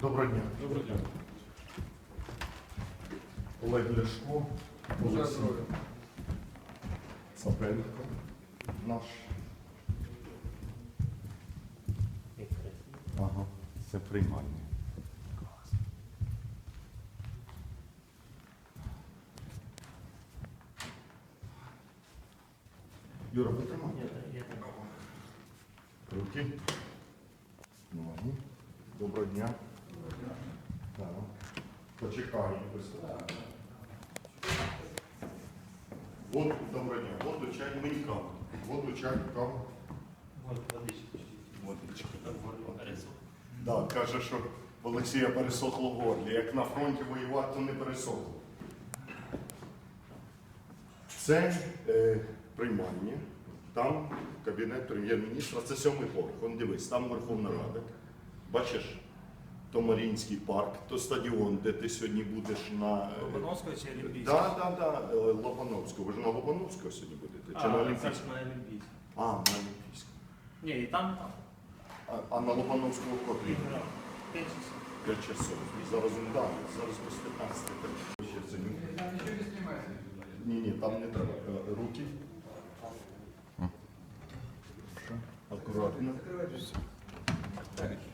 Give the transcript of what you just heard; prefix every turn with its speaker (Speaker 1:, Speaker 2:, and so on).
Speaker 1: Доброго дня.
Speaker 2: Доброго дня.
Speaker 1: Олег Ляшко, Олексій Цапенко, наш. Ага, це приймальня. Юра, потримай. Руки. Ноги. Доброго дня. Так. Почекаємо. Воду, доброго дня. Воду, чай, мені каву. Воду, чай, каву. Водичка. Так, каже, що в Олексія пересохло в горлі. Як на фронті воювати, то не пересохло. Це приймання. Там кабінет прем'єр-міністра, це 7-й поверх. Вон дивись, там Верховна Рада. Бачиш? То Маріїнський парк, то стадіон, де ти сьогодні будеш на...
Speaker 2: Лобановського чи Олімпійського?
Speaker 1: Так, Лобановського. Ви ж на Лобановського сьогодні будете? Чи на Олімпійського?
Speaker 2: На Олімпійського.
Speaker 1: А, на Олімпійського.
Speaker 2: Ні, і там, і там.
Speaker 1: А на Лобановського котрі?
Speaker 2: 5 часов.
Speaker 1: 5 часов. Зараз він далі, зараз без 15. Ні, там не треба. Руки. Акуратно.